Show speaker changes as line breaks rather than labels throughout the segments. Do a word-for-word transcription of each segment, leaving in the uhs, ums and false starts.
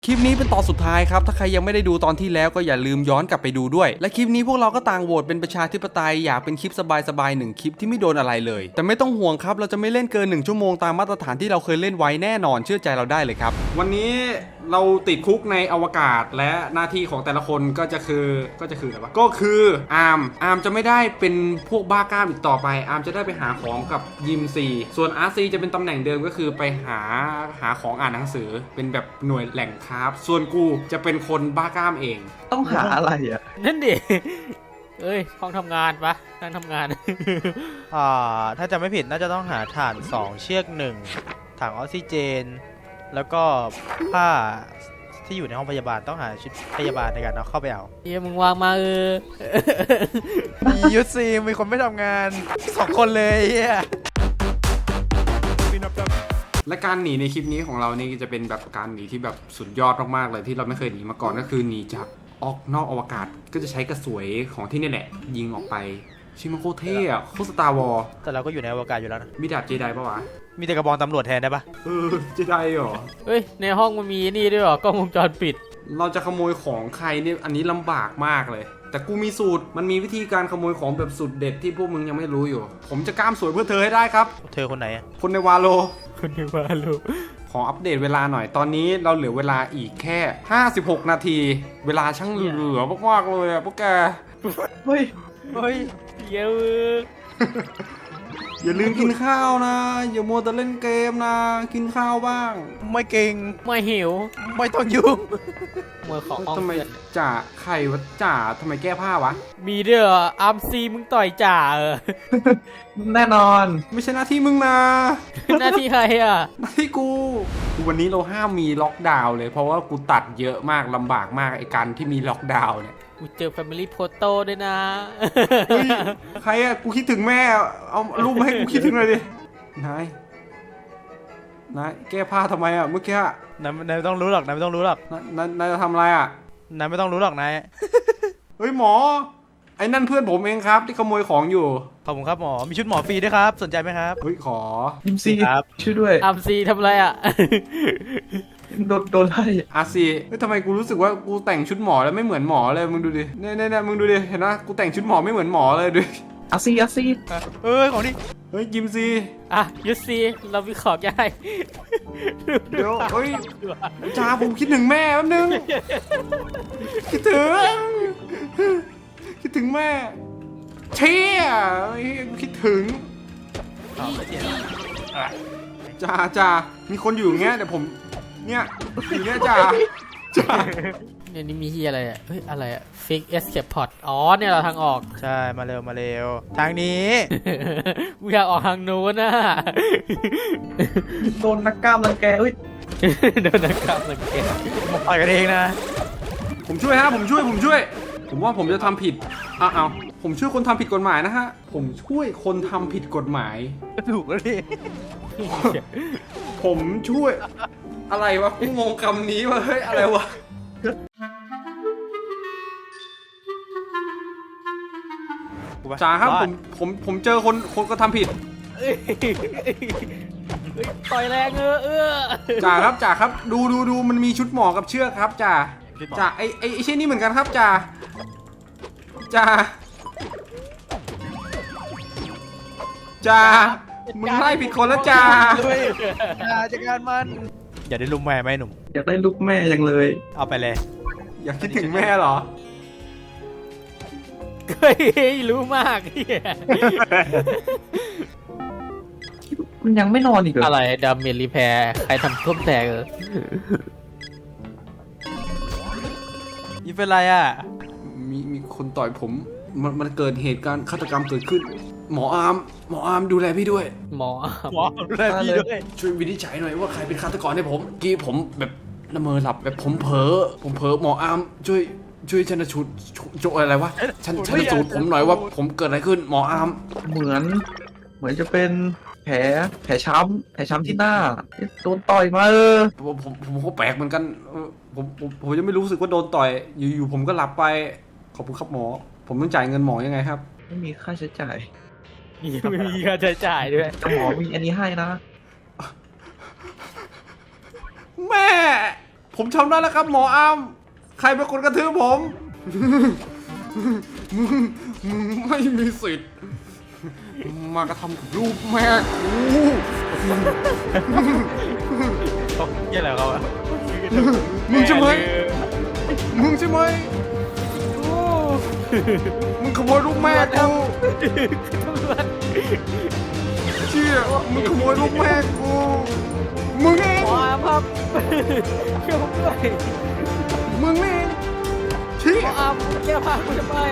คลิปนี้เป็นตอนสุดท้ายครับถ้าใครยังไม่ได้ดูตอนที่แล้วก็อย่าลืมย้อนกลับไปดูด้วยและคลิปนี้พวกเราก็ต่างโหวตเป็นประชาธิปไตยอยากเป็นคลิปสบายๆหนึ่งคลิปที่ไม่โดนอะไรเลยแต่ไม่ต้องห่วงครับเราจะไม่เล่นเกินหนึ่งชั่วโมงตามมาตรฐานที่เราเคยเล่นไว้แน่นอนเชื่อใจเราได้เลยครับวันนี้เราติดคุกในอวกาศและหน้าที่ของแต่ละคนก็จะคือก็จะคืออะไรวะก็คืออาร์มอาร์มจะไม่ได้เป็นพวกบ้ากล้ามอีกต่อไปอาร์มจะได้ไปหาของกับยิมซีส่วนอาร์ซีจะเป็นตำแหน่งเดิมก็คือไปหาหาของอ่านหนังสือเป็นแบบหน่วยแหล่งคราฟส่วนกูจะเป็นคนบ้ากล้ามเอง
ต้องหาอะไรอ่ะ
นั่นดิ เอ้ยห้องทำงานปะนั่งทำงาน
อ่าถ้าจะไม่ผิดน่าจะต้องหาถ่านสองเชือกหนึ่งถังออกซิเจน แล้วก็ผ้าที่อยู่ในห้องพยาบาลต้องหาชุดพยาบาลในการเอาเข้าไปเอา
เฮียมึงวางมาเออ
มียุทธซีมีคนไม่ทำงานสองคนเลยเฮีย
และการหนีในคลิปนี้ของเรานี่จะเป็นแบบการหนีที่แบบสุดยอดมากๆเลยที่เราไม่เคยหนีมาก่อนก็คือหนีจากออกนอกอวกาศก็จะใช้กระสวยของที่นี่แหละยิงออกไปชิมันโคตรเท่อะโคตรสตาร์วอร์
แต่เราก็อยู่ในอวกาศอยู่แล้วนะ
มีดาบเจไดปะวะ
มีแต่กระบองตำรวจแทนได้ปะ
เออเจไดเหรอ
เฮ้ยในห้องมันมีนี่ด้วยเหรอกล้องวงจรปิด
เราจะขโมยของใครเนี่ยอันนี้ลำบากมากเลยแต่กูมีสูตรมันมีวิธีการขโมยของแบบสุดเด็ดที่พวกมึงยังไม่รู้อยู่ ผมจะกล้ามสวยเพื่อเธอให้ได้ครับ
เธอคนไหนอะ
คนในวาโล
คุณนึกว่าลูก
ขออัปเดตเวลาหน่อย ตอนนี้เราเหลือเวลาอีกแค่ห้าสิบหกนาที เวลาช่างเหลือมากๆเลยอะพวกแก
เฮ้ย
เฮ้ย
เยอะ
อย่าลืมกินข้าวนะ อย่ามัวแต่เล่นเกมนะ กินข้าวบ้าง
ไม่เก่ง
ไม่หิว
ไม่ต้องยุ่ง
มือของออง
ทำไม
เสีย
จ่าไข่วะจ่าทำไมแก้ผ้าวะ
มีด้วยเหรออาร์มซีมึงต่อยจ่าเออ
แน่นอน
ไม่ใช่หน้าที่มึงนะ
หน้าที่ใครอ่ะ
หน้าที่กูวันนี้เราห้ามมีล็อกดาวน์เลยเพราะว่ากูตัดเยอะมากลำบากมากไอ้การที่มีล็อกดาวน์เนี่ย
กูเจอ Family Photo ด้วยนะ
เฮ้ยใครอะกูคิดถึงแม่เอารูปมาให้กูคิดถึงหน่อยดินายนายแก้ผ้าทำไมอะเมื่อกี้อะ
นายนายไม่ต้องรู้หรอกนายไม่ต้องรู้หรอก
นายนายนายจะทำอะไรอะ
นายไม่ต้องรู้หรอกนาย
เฮ้ยหมอไอ้นั่นเพื่อนผมเองครับที่ขโมยของอยู่
ขอบคุณครับหมอ มีชุดหมอฟรีด้วยครับ สนใจไหมครับ
เฮ้ยขอ
ยิมซี
ครับ
ช่วยด้วย
อาร์มซีทำอะไรอ่ะ
โดนโดนไล่
อาซีเฮ้ยทำไมกูรู้สึกว่ากูแต่งชุดหมอแล้วไม่เหมือนหมอเลยมึงดูดิเนี่ยเนี่ยเนี่ยมึงดูดิเห็นนะกูแต่งชุดหมอไม่เหมือนหมอเลยดู
อาซีอาซี
เอ้ยของนี่
เฮ้ยยิมซี
อ่ะยุทธซีเราวิเคราะห์ได้
เดี๋ยวเฮ้ยจ้าผมคิดถึงแม่แป๊บนึงคิดถึงคิดถึงแม่เชี่ยเฮ้ยกูคิดถึง
อ๋อไม่เจ็บ
จ่าจ่ามีคนอยู่อย่างเงี้ยเดี๋ยวผมเนี่ยอยู่เนี่ยจ่าจ่า
เนี่ยนี่มีที่อะไรอ่ะ เฮ้ยอะไรอ่ะ Fix Escape Pod อ๋อเนี่ยเราทางออก
ใช่ มาเร็ว มาเร็ว ทางนี้
กูอยากออกทางโน้นนะ
โดนนักกล้ามรังแกเฮ้ย
โดนนักข่าวสังเกต
มาต่อยกันเองนะ
ผมช่วยฮะผมช่วยผมช่วย ผมว่าผมจะทำผิดอ้าวผมช่วยคนทำผิดกฎหมายนะฮะผมช่วยคนทำผิดกฎหมาย
ถูกแล้วดิ
ผมช่วยอะไรวะกูงงคำนี้วะเฮ้ยอะไรวะจ่าครับผมผมผมเจอคนคนก็ทำผิด
เอ้ยต่อยแรงเออเออ
จ่าครับจ่าครับดูดูดูมันมีชุดหมอกับเชือกครับจ่าจ่าไอไอไอเช่นนี้เหมือนกันครับจ่าจ่าจ่ามึงไล่ผิดคนแล้วจ่า
ด้วยอย่าจัดการมัน อย่าได้ลุมแม่ไหมหนุ่ม
อยากได้ลูกแม่ยังเลย
เอาไปเลย
อยากคิดถึงแม่เหรอ
เฮ้ยรู้มากเหี้ย
มันยังไม่นอนอีกเหรอ
อะไรดาเมจรีแพร์ใครทำท่วมแตกเออ
นี่เป็นไรอ่ะ
มีมีคนต่อยผมมันมันเกิดเหตุการณ์ฆาตกรรมเกิดขึ้น หมออาร์มหมออาร์มดูแลพี่ด้วย
หมอ
หมอดูแลพี่ด้วย
ช่วยวินิจฉัยหน่อยว่าใครเป็นฆาตกรให้ผมเมื่อกี้ผมแบบละเมอหลับแบบผมเผลอผมเผลอหมออาร์มช่วยช่วยชันสูตรโจอะไรวะชันชันสูตรผมหน่อยว่าผมเกิดอะไรขึ้นหมออาร์ม
เหมือน เหมือนจะเป็นแผลแผลช้ำแผลช้ำที่หน้าโดนต่อยมาเออ
ผมผมผมก็แปลกเหมือนกันเออผมผมผมยังไม่รู้สึกว่าโดนต่อยอยู่ๆผมก็หลับไปขอบคุณครับหมอ ผมต้องจ่ายเงินหมอยังไงครับ
ไม่มีค่าใช้จ่าย
ไม่มีค่าใช้จ่ายด้วย
แต่หมอมีอันนี้ให้นะ
แม่ผมทำได้แล้วครับหมออามใครเป็นคนกระทืบผม มึงมึงไม่มีสิทธิ์มากระทำกับลูกแม่กู
เขาเยี่ยอะไรเขาอะ
มึงใช่ไหมมึงใช่ไหมมึงขโมยลูกแม่กูเชี่ยมึงขโมยลูกแม่กูมึงเอง
หมออาร์มครับช่วยผมด้วย
มึงเองเชี่
หม
ย
ออาร์มแก้ผ้ากูทำไม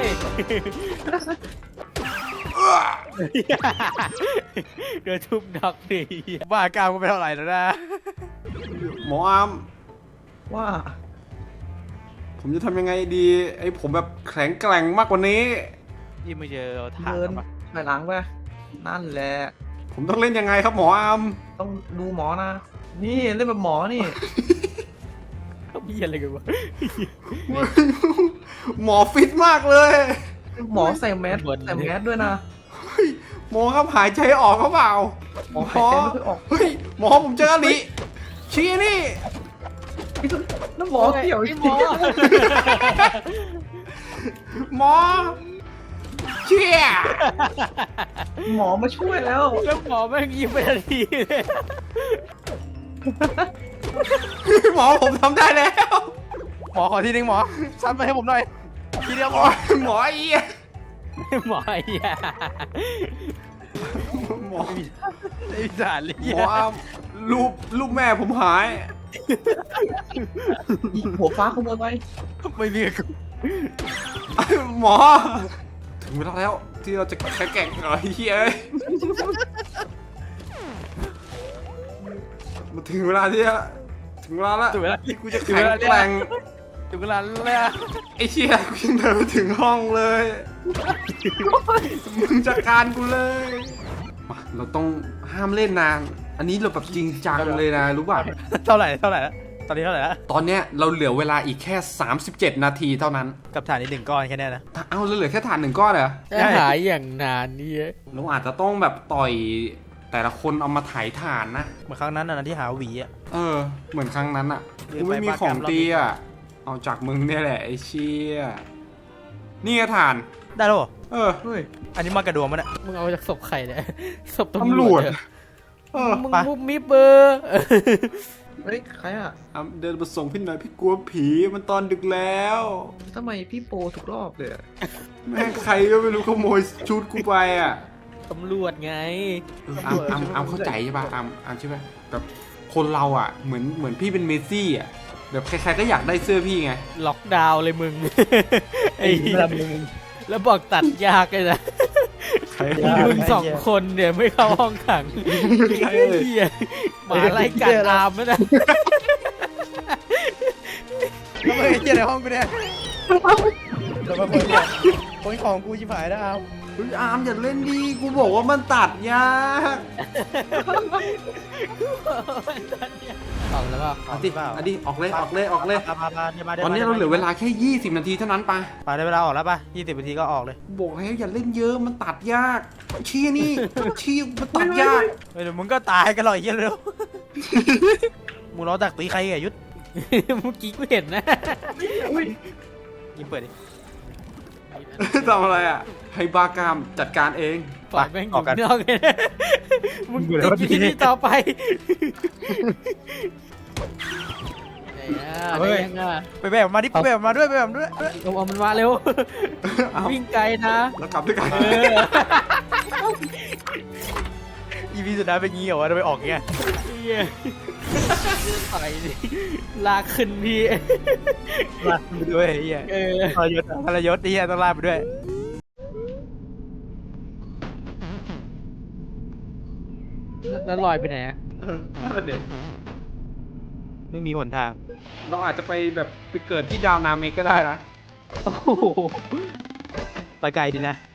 เดือดทุบดอกดี
บ้ากามก็ไปเท่าไหร่แล้วนะ
หมออาม
ว่า
ผมจะทำยังไงดีไอ้ผมแบบแข็งแกร่งมากกว่านี้
ยี่ไม่เจอถ่าน
เดิน
ปะ
ไปหลังไปนั่นแหละ
ผมต้องเล่นยังไงครับหมออาม
ต้องดูหมอนะ นี่เล่นแบบหมอนี่
เขามีอะไรกันวะ
หมอฟิตมากเลย
หมอใส่แมสใส่แมสด้วยนะ
เฮ้ยหมอครับหายใจออกเขาเปล่า
หมอหายใจไม่ค่อยออก
เฮ้ยหมอผมเจออลิชี้นี่
แล้วหมอเกี่ยว
ไอ้หมอ
หมอเชี่ย
หมอมาช่วยแล้ว
แล้วหมอแม่งยิ้มไปทันทีเลย
หมอผมทำได้แล้ว
หมอขอทีนึงหมอซัดมาให้ผมหน่อยทีเดียวหมอ
หมอเอี้ย
หมอไอ้เหี้ย
หมอ
ไอ้สารเลย
หมออามรูปรูปแม่ผมหาย
อีกหัวฟ้าขโมยไป
ไม่มี
หมอ ถึงเวลาแล้วที่เราจะแข็งแกร่งหน่อยเฮ้ยมาถึงเวลาที่จะถึงเวลาแล้ว
ถึงเวลา
ที่กูจะแข็งแกร่ง
ถึงเวลาแล้ว
ไอ้เชี่ยกูยังเดินไปถึงห้องเลยมึงจัดการกูเลยมาเราต้องห้ามเล่นนานอันนี้เราแบบจริงจังเลยนะรู้ป่ะ
เท่าไหร่เท่าไหร่แล้วตอนนี้เท่าไหร่แล้ว
ตอนเนี้ยเราเหลือเวลาอีกแค่สามสิบเจ็ดนาทีเท่านั้น
กับถ่านอีกหนึ่งก้อนแค่นี้นะ
เอ้าเราเหลือแค่ฐานหนึ่งก้อนเหรอ
จะหายอย่างนานนี่
เราอาจจะต้องแบบต่อยแต่ละคนเอามาถ่ายฐานนะ
เหมือนครั้งนั้นนะที่หาหวีอ่ะ
เออ เหมือนครั้งนั้นอ่ะ
เดี๋ยว
กูไม่มี
ไป
ของ
บ้านแกรมรอบ
ตี
นี้
อ่ะ เอาจากมึงเนี่ยแหละไอ้เชี่ยนี่ไงฐาน
ได้แล้วเหรอ
เออ
เฮ้ย
อันนี้มากระดวงมันอ่ะ
มึงเอาจากศพใครเนี่ยศพ
ตำ
ตำ
ร
ร
ว
ว
จ
จเหรอ
เออ
มึง
ไป
มุกมิบเบอร์
เฮ้ยใครอ่ะ
เอาเดินมาส่งพี่หน่อยพี่กลัวผีมันตอนดึกแล้ว
ทำไมพี่โปทุกรอบเลยอะ
แม่งใครก็ไม่รู้ขโมยชุดกูไปอ่ะ
ตำรวจไง
เอออามอามอามเข้าใจใช่ป่ะอามอามใช่ป่ะแบบคนเราอ่ะเหมือนเหมือนพี่เป็นเมสซี่อ่ะแบบใครๆก็อยากได้เสื้อพี่ไง
ล็อกดาวน์เลยมึง ไอ้เหี้ยแล้วบอกตัดยากเลยนะ
ใคร
มึงสองคนเนี่ยไม่เข้าห้องขังไอ้เหี้ยหมาไล่กัดอามแล้วนะ
แล้วมึงไอ้เจี๊ยในห้องกูเนี่ยแล้วมาคนเนี่ยคนของกูชิบหายแล้วเอา
เฮ้ยอามอย่าเล่นดีกูบอกว่ามันตัดยาก
ออกแล้วเปล่า
เอาดิเอาดิออกเลยออกเลยออกเลย
มามามามา
ตอนนี้เราเหลือเวลาแค่ยี่สิบนาทีเท่านั้นปะ
ไปได้เวลาออกแล้วป่ะยี่สิบนาทีก็ออกเลย
บอกแล้วอย่าเล่นเยอะมันตัดยากชี้นี่ชี้มันตัดยาก
เฮ้ยเดี๋ยวมึงก็ตายกันหรอกไอ้เหี้ยเร็วมึงรอดักตีใครอ่ะยุทธ
เมื่อกี้กูเห็นนะ
ยิงเปิดดิ
ทำอะไรอ่ะให้บากามจัดการเอง
ปล่อยแม่งอยู่นอกเลยนะมึงติดอยู่ที่นี่ต่อไปไหนอ่ะไหนยังอ่ะ
ไปแบบมาดิไปแบบมาด้วยไปแบบมาด้วย
เอาเอามันมาเร็ว
เอา
วิ่งไกลนะ
แล้วกลับด้วยกัน
เออ
อีพีสุดท้ายเป็นงี้เหรอวะทำไมออกเงี้ย
เหี้ยไปดิลากขึ้นพี่
ลากไปด้วยไอ้เหี้ย
เออ
ทรยศทรยศไอ้เหี้ยต้องลากไปด้วย
แล้วลอยไปไหนอ่ะ
นั่นเด็ก
ไม่มีหนทาง
เราอาจจะไปแบบไปเกิดที่ดาวนาเมกก็ได้นะ
โอ้โห
ไปไกลดีนะ